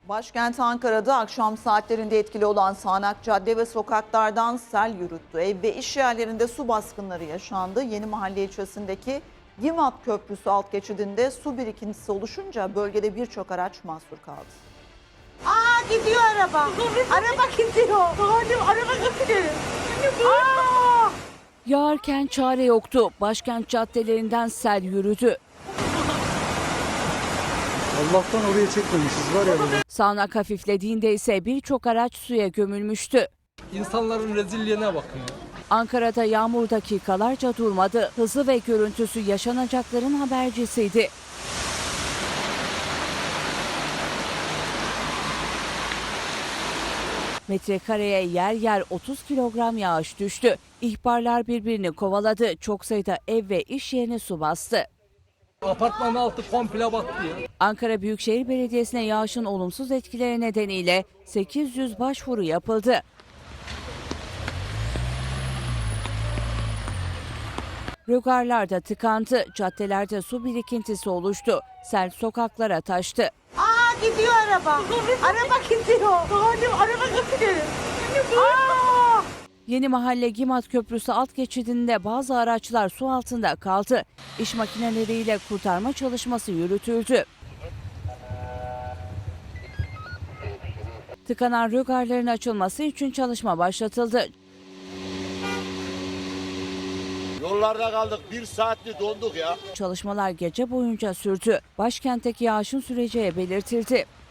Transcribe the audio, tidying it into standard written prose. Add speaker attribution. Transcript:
Speaker 1: Başkent Ankara'da akşam saatlerinde etkili olan sağanak cadde ve sokaklardan sel yürüttü. Ev ve iş yerlerinde su baskınları yaşandı. Yenimahalle ilçesindeki Gimat Köprüsü alt geçidinde su birikintisi oluşunca bölgede birçok araç mahsur kaldı.
Speaker 2: Gidiyor araba. Araba gidiyor. Araba gidiyor.
Speaker 3: Yağarken çare yoktu. Başkent caddelerinden sel yürüdü.
Speaker 4: Allah'tan oraya çekmemişiz var ya böyle.
Speaker 3: Sağanak hafiflediğinde ise birçok araç suya gömülmüştü.
Speaker 5: İnsanların rezilliğine bakın ya.
Speaker 3: Ankara'da yağmur dakikalarca durmadı. Hızı ve görüntüsü yaşanacakların habercisiydi. Metrekareye yer yer 30 kilogram yağış düştü. İhbarlar birbirini kovaladı. Çok sayıda ev ve iş yerine su bastı.
Speaker 5: Apartmanın altı komple battı ya.
Speaker 3: Ankara Büyükşehir Belediyesi'ne yağışın olumsuz etkileri nedeniyle 800 başvuru yapıldı. Rögarlarda tıkandı, caddelerde su birikintisi oluştu. Sel sokaklara taştı.
Speaker 2: Gidiyor araba. Araba gidiyor. Araba gidiyor.
Speaker 3: Yenimahalle Gimat Köprüsü alt geçidinde bazı araçlar su altında kaldı. İş makineleriyle kurtarma çalışması yürütüldü. Tıkanan rögarların açılması için çalışma başlatıldı.
Speaker 6: Yollarda kaldık, 1 saatli donduk ya.
Speaker 3: Çalışmalar gece boyunca sürdü. Başkentteki yağışın süreceği belirtildi.